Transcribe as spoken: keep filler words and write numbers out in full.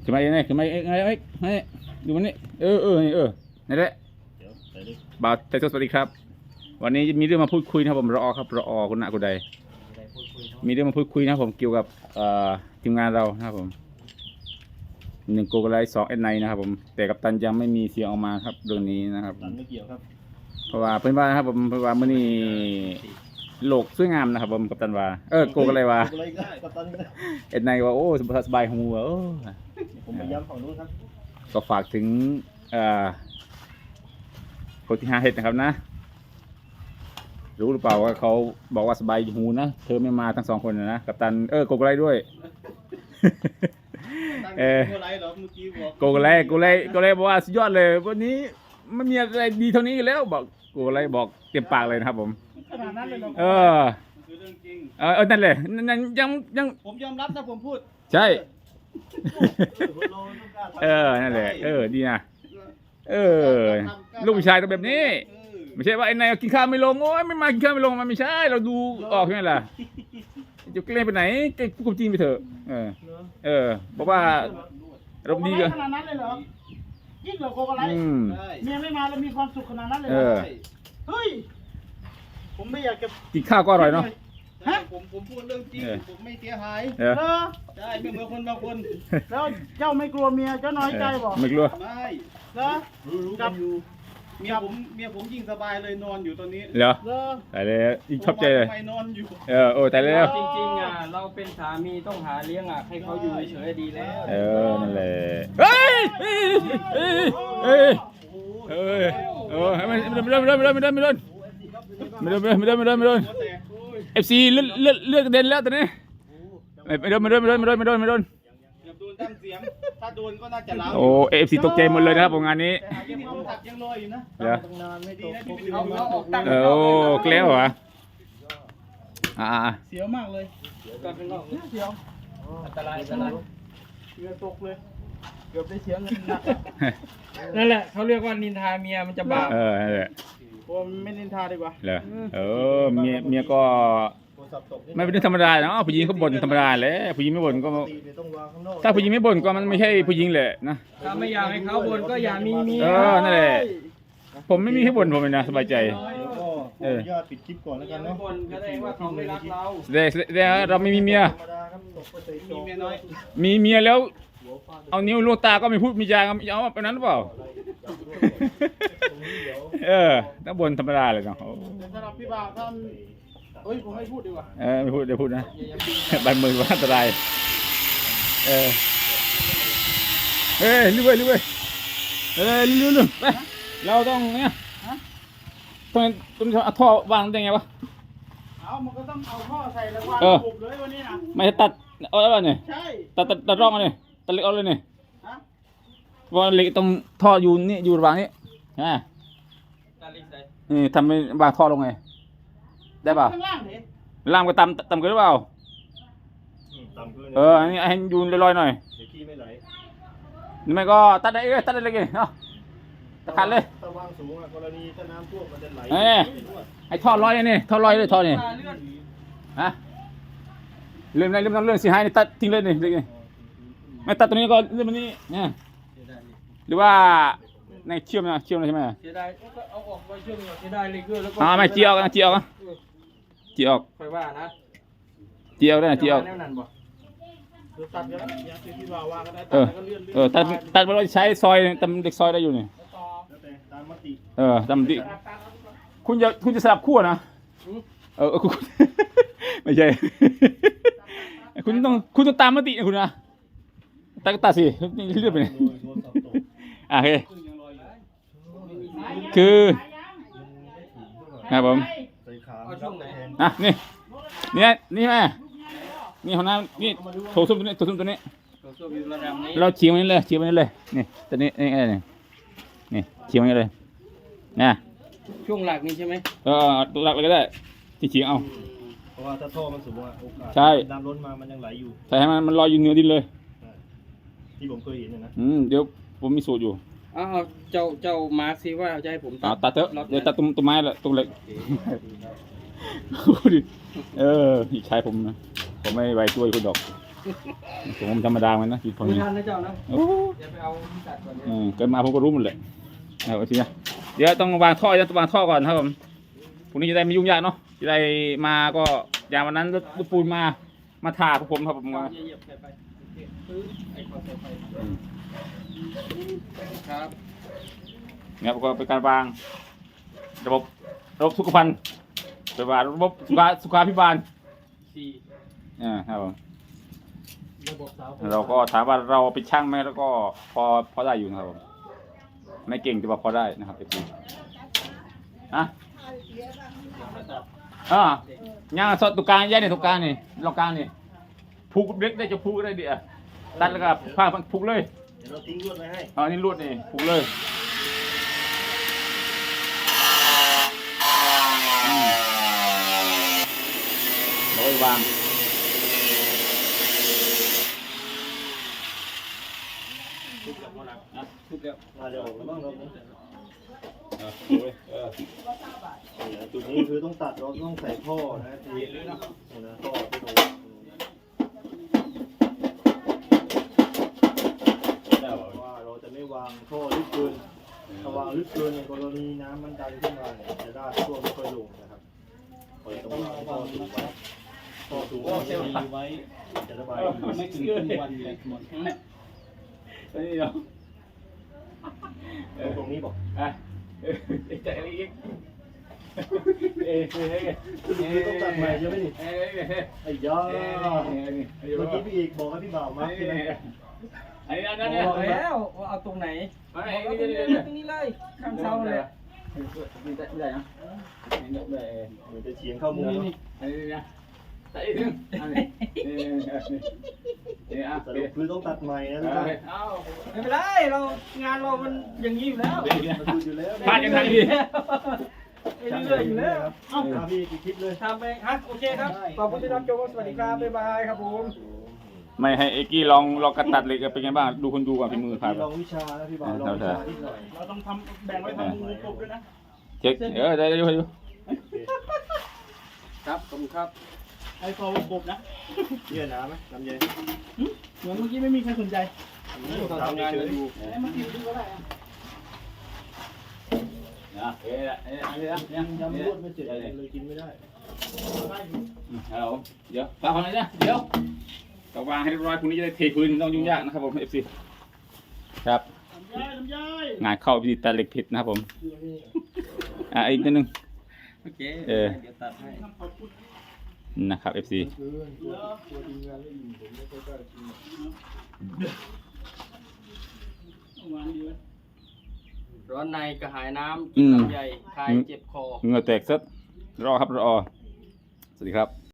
ขึ้นมาเองไงขึ้นมาเองไงไอ้ไอ้ดูมันนี่เออเออเออนั่นแหละบ่าวแต่สวัสดีครับวันนี้มีเรื่องมาพูดคุยนะครับผมรอครับรอคุณณะคุณใดมีเรื่องมาพูดคุยนะครับผมเกี่ยวกับทีมงานเรานะครับผมหนึ่งโกกไลท์สองเอ็นไนนะครับผมแต่กัปตันยังไม่มีเสียงออกมาครับเรื่องนี้นะครับไม่เกี่ยวครับเพราะว่าเพื่อนว่านะครับผมเพราะว่ามื่อนี้โลกสวยงามนะครับผมกัปตันว่าเออโกกอะไรวะเอ็นไนว่าโอ้สบายหัวโอ้ผมไปย้ำฝั่งนู้นครับก็ฝากถึงคนที่หาเห็ดนะครับนะรู้หรือเปล่าว่าเขาบอกว่าสบายหูนะเธอไม่มาทั้งสองคนนะกัปตันเออโกกอะไรด้วยเออโกกอะไรโกกอะไรโกกอะไรบอกว่าสุดยอดเลยวันนี้ไม่มีอะไรดีเท่านี้แล้วบอกโกกอะไรบอกเต็มปากเลยนะครับผมขนาดนั้นเลยเหรอเออคือเรื่องจริงเออนั่นเลยนั่นยังยังผมยอมรับนะผมพูดใช่เออนั่นแหละเออดีนะเออลูกผู้ชายต้องแบบนี้ไม่ใช่ว่าไอ้นายกินข้าวไม่ลงโอ้ยไม่มากินข้าวไม่ลงมันไม่ใช่เราดูออกใช่ไหมล่ะจะเกล้ไปไหนเกล้พูดความจริงไปเถอะเออเออบอกว่าเราดีกันขนาดนั้นเลยเหรอยิ่งเหรอโกกอะไรเมียไม่มาแล้วมีความสุขขนาดนั้นเลยเฮ้ยผมไม่อยากจะกินข้าวก็อร่อยเนาะฮะผมผมพูดเรื่องจริงผมไม่เสียหายเออได้ไม่เหมือนคนบางคนแล้วเจ้าไม่กลัวเมียเจ้าน้อยใจบอกไม่กลัวไม่เหรอกับเมียผมเมียผมยิ่งสบายเลยนอนอยู่ตอนนี้เหรอแต่เลยยิ่งชอบใจเลยนอนอยู่เออโอ้แต่เลยจริงๆอ่ะเราเป็นสามีต้องหาเลี้ยงอ่ะให้เขาอยู่เฉยๆดีแล้วเออนั่นแหละเฮ้ยเฮ้ยเฮ้ยเฮ้ยเฮ้ยเออไม่ไม่ไม่ไม่ไม่ไม่ไม่ไม่ไม่ไม่ไม่ไม่ไม่ไม่เอฟซีเลือดเลือดเลือดกระเด็นแล้วตอนนี้ไม่ไม่โดนไม่โดนไม่โดนไม่โดนไม่โดนไม่โดนโดนตั้งเสียงถ้าโดนก็น่าจะล้าโอ้เอฟซีตกใจหมดเลยนะครับงานนี้ยังความตักยังลอยอยู่นะเดี๋ยวดีนะที่ไปดูเอาออกตั้งโอ้เกลียวเหรออ่าเสียวมากเลยก็เป็นนอกเสียวอันตรายอันตรายเรือตกเลยเกือบได้เสียเงินหนักนั่นแหละเขาเรียกว่านินทาเมียมันจะบาปเออนั่นแหละผมไม่นินทาดีกว่าเหรอเออเมียเมียก็ไม่เป็นเรื่องธรรมดาเนาะผู้หญิงเขาบ่นธรรมดาแหละผู้หญิงไม่บ่นก็ถ้าผู้หญิงไม่บ่นก็มันไม่ใช่ผู้หญิงแหละนะถ้าไม่อยากให้เขาบ่นก็อย่ามีเมียเออนั่นแหละผมไม่มีให้บ่นผมเลยนะสบายใจเออยอดปิดคลิปก่อนแล้วกันเนาะบ่นแสดงว่าเขาไม่รักเราเดี๋ยวเดี๋ยวเราไม่มีเมียมีเมียน้อยมีเมียแล้วเอานิ้วลูกตาก็ไม่พูดมีจาเอาแบบนั้นหรือเปล่าเออต้องบ่นธรรมดาเลยเนาะสำหรับพี่บ่าวท่านเฮ้ยผมไม่พูดดีกว่าเออไม่พูดเดี๋ยวพูดนะบันมือว่าอันตรายเออเฮ้ยลุยลุยเฮ้ยลุยลุยไปเราต้องเนี่ยต้องต้องเอาท่อวางได้ไงวะเอามันก็ต้องเอาท่อใส่แล้ววางปุบเลยวันนี้นะไม่ตัดเอาอะไรเนี่ยใช่ตัดตัดตัดร่องเลยตัดเล็กเอาเลยเนี่ยว่าเล็กตรงท่ออยู่นี่อยู่ระหว่างนี้อ่านี่ทำเป็นวางท่อลงไงได้ป่ะล่างก็ต่ำต่ำกันหรือเปล่าเอออันนี้ให้ยูนลอยๆหน่อยเดี๋ยวขี้ไม่ไหลนี่ไม่ก็ตัดได้เลยตัดได้เลยไงเนาะตัดขาดเลยถ้าวางสูงอ่ะกรณีถ้าน้ำท่วมมันจะไหลไอ้ท่อลอยนี่ท่อลอยเลยท่อนี่ฮะเรื่องอะไรเรื่องนั้นเรื่องสีหายนี่ตัดทิ้งเลยนี่เลยไม่ตัดตัวนี้ก็เรื่องมันนี่เนี่ยหรือว่าในเชื่อมนะเชื่อมเลยใช่ไหมเสียดายก็เอาออกไว้เชื่อมเสียดายเลยก็แล้วก็อ่าไม่เจียวกันเจียวกันเจียวค่อยว่านะเจียวได้เจียวตัดกันอยากที่พี่บ่าววางก็ได้ตัดก็เลื่อนเออตัดตัดเราใช้ซอยตำเด็กซอยได้อยู่นี่ตามมติเออตามมติคุณจะคุณจะสลับขั้วนะเออคุณไม่ใช่คุณต้องคุณต้องตามมตินะคุณนะตัดก็ตัดสิเลื่อนไปเลยอ่ะโอเคคือครับผมอ่ะนี่นี่นี่แม่นี่ของน้ำนี่โถส้วมตัวนี้โถส้วมตัวนี้เราเฉียงมันเลยเฉียงมันเลยนี่ตัวนี้นี่อะไรนี่นี่เฉียงมันเลยนะช่วงหลักนี่ใช่ไหมเออตัวหลักเลยก็ได้ที่เฉียงเอาเพราะว่าถ้าท่อมันสูงอ่ะโอกาสใช่น้ำล้นมามันยังไหลอยู่ใช่ให้มันมันลอยอยู่เหนือดินเลยที่ผมเคยเห็นนะอืมเดี๋ยวผมมีสูตรอยู่อ้าวเจ้าเจ้ามาร์คซิว่าจะให้ผมตัดตัดเถอะเดี๋ยวตัดตรงต้นไม้ละตรงเหล็กเออใช้ผมนะผมไม่ไว้ช่วยคุณดอกผมธรรมดามันนะคิดคนไม่นี้ทันนะเจ้านะโอ้เดี๋ยวไปเอาที่ตัดก่อนเนี่ยอืมเกิดมาผมก็รู้หมดเลยเอาทีนะเดี๋ยวต้องวางท่อจะวางท่อก่อนครับผมพรุ่งนี้จะได้ไม่ยุ่งยากเนาะจะได้มาก็อย่างวันนั้นรถปูนมามาถ่าพวกผมครับผมเอาว่าเหยียบๆไปไปปึ๊บไอ้คอใส่ไปครับเนี่ยก็เป็นการวางระบบระบบสุขภัณฑ์เป็นว่าระบบสุขาสุขาภิบาลสี่อ่าครับผมระบบเสาเราก็ถามว่าเราเป็นช่างไหมแล้วก็พอพอได้อยู่นะครับผมไม่เก่งแต่ว่าพอได้นะครับเด็กๆอ่ะอ่าย่างสดตุกกลางแย่เนี่ยตุกกลางนี่เรากลางนี่ผูกเล็กได้จะผูกได้ดีอ่ะตัดแล้วก็ผ้าผูกเลยเดี๋ยวเราทิ้งลวดไว้ให้อ๋อนี่ลวดนี่ผูกเลยอืมเราไปวางทุบแล้วพอแล้วนะทุบแล้วมาเดี๋ยวเราต้องเราต้องเออดูเลยเออจุดนี้คือต้องตัดเราต้องใส่ท่อนะทีนี้นะท่อที่ตรงได้บ่ว่าเราจะไม่วางท่อลึกเกินถ้าวางลึกเกินในกรณีน้ำมันดันขึ้นมาเนี่ยจะได้ท่วมไม่ค่อยลงนะครับเราต้องวางท่อสูงไว้ท่อสูงไว้จะดีไว้จะระบายดีไม่ถึงครึ่งวันเลยหมดนี่เนาะตรงนี้บอกอ่ะเออใจอีกเอ้ยเฮ้ยเฮ้ยคือต้องตัดใหม่ใช่ไหมนี่เอ้ยเฮ้ยไอ้ยาเอ้ยเมื่อกี้พี่เอกบอกให้พี่บ่าวมาใช่ไหมอันนี้อันนั้นเนี่ยบอกแล้วว่าเอาตรงไหนมาไหนเอาตนี่รงนี่นี้นี่ตรงนี้เลยข้างเสาเลยนี่ได้ได้นะนี่ได้เหมือนจะเฉียงเข้ามุมนี่นี่อันนี้นะใส่อีกนึงอันนี้นี่นี่อ่ะสรุปคือต้องตัดใหม่นะทุกท่านเอาไม่เป็นไรเรางานเรามันอย่างนี้อยู่แล้วเดี๋ยวเดี๋ยวมันดูอยู่แล้วพลาดยังไงดีเรื่อยๆอยู่แล้วเอ้าพี่กี่คลิปเลยทำไปฮะโอเคครับขอบคุณที่รับชมสวัสดีครับบ๊ายบายครับผมไม่ให้เอ็กกี้ลองลองกระตัดเหล็กเป็นไงบ้างดูคนดูก่อนฝีมือครับลองวิชานะพี่บ่าวลองวิชานิดหน่อยเราต้องทำแบ่งไว้ทำงูกบด้วยนะเช็คเออได้ได้ดูดูครับขอบคุณครับไอ้คอวงกบนะเยี่ยน้ำไหมน้ำเย็นเหมือนเมื่อกี้ไม่มีใครสนใจเราทำงานกันอยู่ไอ้เมื่อกี้ดูก็ได้อะนะเอ้ยอันนี้อันนี้นะเนี่ยยำรวดไม่เจ็บเลยกินไม่ได้ได้อยู่เอาเดี๋ยวฟังก่อนเลยนะเดี๋ยวต้องวางให้เรียบร้อยพรุ่งนี้จะได้เทพื้นต้องยุ่งยากนะครับผมเอฟซีครับลำไยลำไยงานเข้าพิธีตัดเหล็กผิดนะครับผมอ่ะอีกนิดนึงโอเคเออเดี๋ยวตัดให้ทำขอบคุณนะครับเอฟซีคือตัวตัวดีงานไม่อยู่ผมไม่ค่อยกล้ากินเอาวางดีไว้ร้อนในกระหายน้ำกินลำไยคลายเจ็บคอเหงื่อแตกซัดรอครับรอสวัสดีครับ